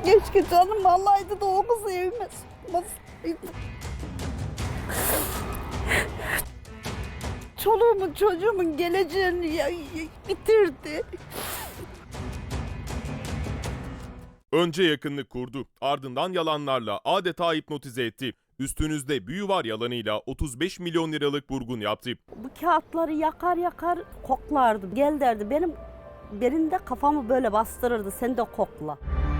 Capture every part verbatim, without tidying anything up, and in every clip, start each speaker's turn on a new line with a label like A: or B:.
A: Keşke canım alaydı da o kızı evime sokmasaydı. Çoluğumun çocuğumun geleceğini ya- ya- bitirdi.
B: Önce yakınlık kurdu, ardından yalanlarla adeta hipnotize etti. Üstünüzde büyü var yalanıyla otuz beş milyon liralık vurgun yaptı.
A: Bu kağıtları yakar yakar koklardı. Gel derdi, benim benim de kafamı böyle bastırırdı, sen de kokla.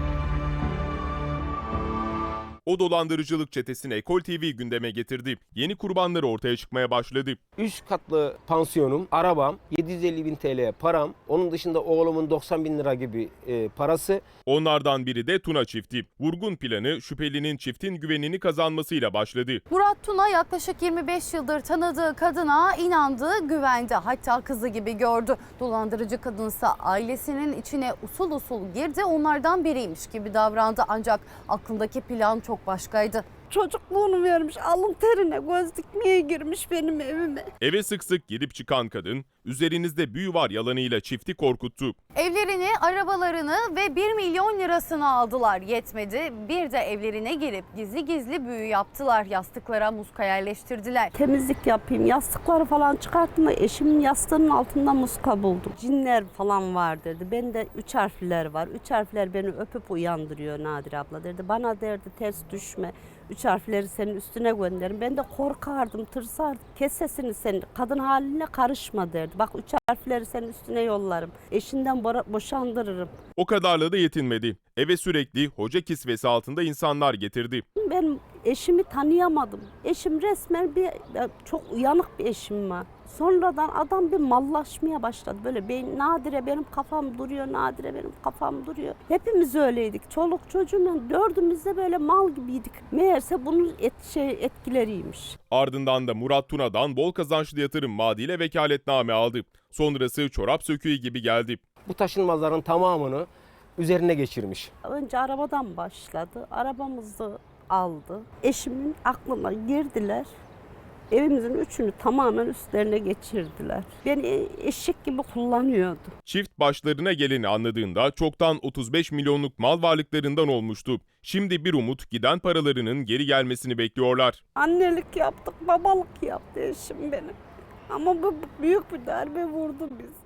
B: O dolandırıcılık çetesini Ekol T V gündeme getirdi. Yeni kurbanları ortaya çıkmaya başladı.
C: Üç katlı pansiyonum, arabam, yedi yüz elli bin T L param, onun dışında oğlumun doksan bin lira gibi e, parası.
B: Onlardan biri de Tuna çifti. Vurgun planı şüphelinin çiftin güvenini kazanmasıyla başladı.
D: Murat Tuna yaklaşık yirmi beş yıldır tanıdığı kadına inandı, güvendi. Hatta kızı gibi gördü. Dolandırıcı kadınsa ailesinin içine usul usul girdi, onlardan biriymiş gibi davrandı. Ancak aklındaki plan çok başkaydı.
A: Çocukluğunu vermiş, alın terine göz dikmeye girmiş benim evime.
B: Eve sık sık girip çıkan kadın, üzerinizde büyü var yalanıyla çifti korkuttu.
D: Evlerini, arabalarını ve bir milyon lirasını aldılar. Yetmedi, bir de evlerine girip gizli gizli büyü yaptılar. Yastıklara muska yerleştirdiler.
A: Temizlik yapayım, yastıkları falan çıkarttım da eşimin yastığının altında muska buldum. Cinler falan var dedi. Ben de üç harfler var. Üç harfler beni öpüp uyandırıyor Nadire abla dedi. Bana derdi ters düşme. Üç harfleri senin üstüne gönderin. Ben de korkardım, tırsardım. Kes sesini sen, kadın haline karışma derdi. Bak üç harfleri senin üstüne yollarım. Eşinden bo- boşandırırım.
B: O kadarla da yetinmedi. Eve sürekli hoca kisvesi altında insanlar getirdi.
A: Ben eşimi tanıyamadım. Eşim resmen bir çok uyanık bir eşim var. Sonradan adam bir mallaşmaya başladı. Böyle ben, Nadire benim kafam duruyor, Nadire benim kafam duruyor. Hepimiz öyleydik. Çoluk çocuğumla dördümüz de böyle mal gibiydik. Meğerse bunun et, şey, etkileriymiş.
B: Ardından da Murat Tuna'dan bol kazançlı yatırım vaadiyle vekaletname aldı. Sonrası çorap söküğü gibi geldi.
C: Bu taşınmazların tamamını üzerine geçirmiş.
A: Önce arabadan başladı. Arabamızı aldı. Eşimin aklına girdiler. Evimizin üçünü tamamen üstlerine geçirdiler. Beni eşek gibi kullanıyordu.
B: Çift başlarına geleni anladığında çoktan otuz beş milyonluk mal varlıklarından olmuştu. Şimdi bir umut giden paralarının geri gelmesini bekliyorlar.
A: Annelik yaptık, babalık yaptı eşim benim. Ama bu büyük bir darbe vurdu bizi.